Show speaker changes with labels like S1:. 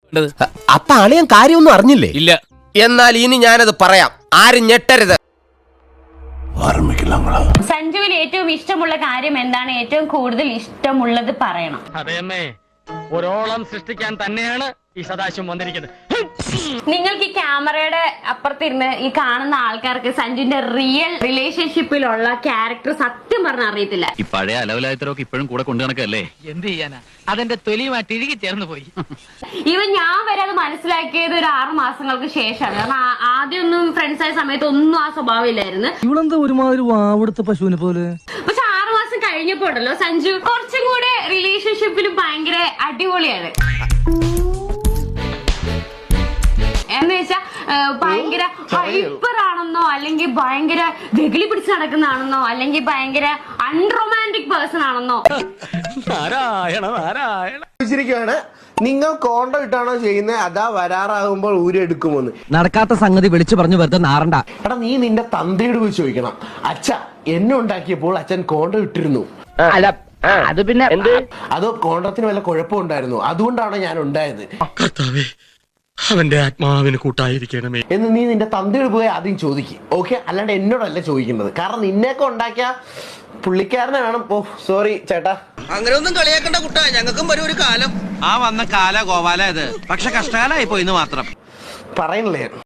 S1: അപ്പൊ അളിയൻ കാര്യമൊന്നും അറിഞ്ഞില്ലേ?
S2: ഇല്ല.
S1: എന്നാൽ ഇനി ഞാനത് പറയാം, ആരും ഞെട്ടരുത്.
S3: സഞ്ജുവിന് ഏറ്റവും ഇഷ്ടമുള്ള കാര്യം എന്താണ്? ഏറ്റവും കൂടുതൽ ഇഷ്ടമുള്ളത് പറയണം.
S4: അതെയമ്മേ, ഒരോളം സൃഷ്ടിക്കാൻ തന്നെയാണ് ഈ സദാശിവം വന്നിരിക്കുന്നത്.
S3: നിങ്ങൾക്ക് ഈ ക്യാമറയുടെ അപ്പുറത്തിരുന്ന് ഈ കാണുന്ന ആൾക്കാർക്ക് സഞ്ജുവിന്റെ റിയൽ റിലേഷൻഷിപ്പിലുള്ള ക്യാരക്ടർ സത്യം പറഞ്ഞാൽ അറിയത്തില്ല.
S5: ഈ പഴയ അലവലായത്തരൊക്കെ ഇപ്പോഴും കൂടെ കൊണ്ടു നടക്കല്ലേ?
S4: എന്ത് ചെയ്യാനാ, അതെന്റെ തൊലിയുമായിട്ട് ഇഴുകി ചേർന്ന് പോയി.
S3: ഈവൻ ഞാൻ വരെ അത് മനസ്സിലാക്കിയത് ഒരു 6 മാസങ്ങൾക്ക് ശേഷമാണ്. കാരണം ആദ്യമൊന്നും ഫ്രണ്ട്സ് ആയ സമയത്ത് ഒന്നും ആ സ്വഭാവം ഇല്ലായിരുന്നു.
S6: ഇവളെന്താ ഒരുമാതിരി വാവെടുത്ത പശുവിനെ പോലെ.
S3: പക്ഷെ 6 മാസം കഴിഞ്ഞപ്പോ ഉണ്ടല്ലോ സഞ്ജു കുറച്ചും കൂടെ റിലേഷൻഷിപ്പിൽ ഭയങ്കര അടിപൊളിയാണ്. എന്ന് വെച്ചാ ഭയങ്കര ഹൈപ്പർ ആണെന്നോ, അല്ലെങ്കിൽ ഭയങ്കര വെകിളി പിടിച്ച് നടക്കുന്നതാണെന്നോ, അല്ലെങ്കിൽ ഭയങ്കര അൺറൊമാൻറ്റിക് പേഴ്സൺ ആണെന്നോ.
S7: ചോദിച്ചിരിക്കുകയാണ്, നിങ്ങൾ കോണ്ടം ഇട്ടാണോ ചെയ്യുന്നത്, അതാ വരാറാകുമ്പോൾ ഊരെടുക്കുമോന്ന്.
S6: നടക്കാത്ത സംഗതി വിളിച്ചു പറഞ്ഞു വെറുതെ നാറണ്ട.
S7: എടാ, നീ നിന്റെ തന്തയോട് പോയി ചോദിക്കണം. അച്ഛ എന്നെ ഉണ്ടാക്കിയപ്പോൾ അച്ഛൻ കോണ്ടം ഇട്ടിരുന്നു,
S4: അല്ല അത് പിന്നെ
S7: അതോ കോണ്ടത്തിന് വല്ല കുഴപ്പമുണ്ടായിരുന്നു, അതുകൊണ്ടാണ് ഞാൻ ഉണ്ടായത്
S2: അവന്റെ ആത്മാവിന് കൂട്ടായിരിക്കണമേ
S7: എന്ന് നീ നിന്റെ തന്തയോട് പോയി ആദ്യം ചോദിക്കും. ഓക്കെ, അല്ലാണ്ട് എന്നോടല്ല ചോദിക്കുന്നത്. കാരണം നിന്നെയൊക്കെ ഉണ്ടാക്കിയ പുള്ളിക്കാരനെ വേണം. ഓ സോറി ചേട്ടാ,
S8: അങ്ങനെ ഒന്നും കളിയാക്കണ്ട കുട്ടാ, ഞങ്ങൾക്കും വരും ഒരു കാലം. ആ വന്ന കാല ഗോപാല ഇത്, പക്ഷെ കഷ്ടകാലായി പോയിന്ന് മാത്രം
S7: പറയണില്ലേ.